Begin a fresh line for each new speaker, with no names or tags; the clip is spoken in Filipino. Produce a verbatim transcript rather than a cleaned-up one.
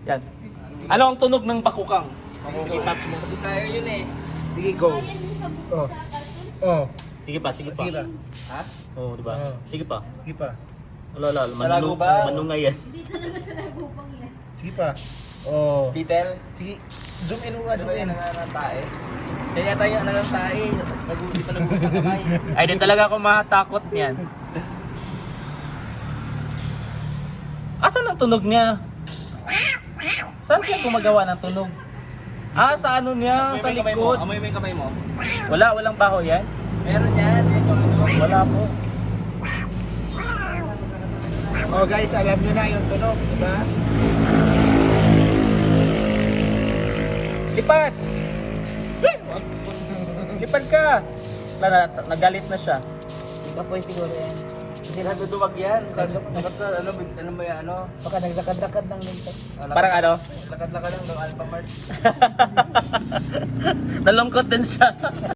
Yan. Ano ang tunog ng bakukang?
Bakukang.
I-touch mo.
Bisaya yun eh.
Sige, go. Oh. Oh.
Sige pa, sige pa.
Sige pa.
Ha?
Oo, di ba?
Oo.
Sige pa.
Sige pa.
Wala, wala.
Malago
Manunong,
ba?
manungay yan.
Hindi talaga sa nagupang yan.
Sige pa. Oh.
Detail.
Sige. Zoom in mo nga,
Ano
zoom
ba
in.
yung nangangantae? Kaya yata yung nangangantae. Nag-uuli pa nag sa kamay.
Ay, di talaga ako matakot niyan. Asan ang tunog niya? Saan siya gumagawa ng tunog? Ah, sa ano niya? Sa
Amoy mo yung kamay mo.
likod.
Amoy mo yung kamay mo.
Wala, walang baho yan?
Meron yan. Yan yung ano.
Wala po.
Oh guys, alam nyo na yung tunog, diba?
Lipad! Lipad ka! Wala na, nagalit na siya.
Kapoy siguro yan.
Kasi naduduwag yan. Bakit sa ano, ano ba yan, ano?
Baka naglakad-lakad lang din to.
Parang ano?
Lakad-lakad lang ng Alphamart.
Nalungkot din siya.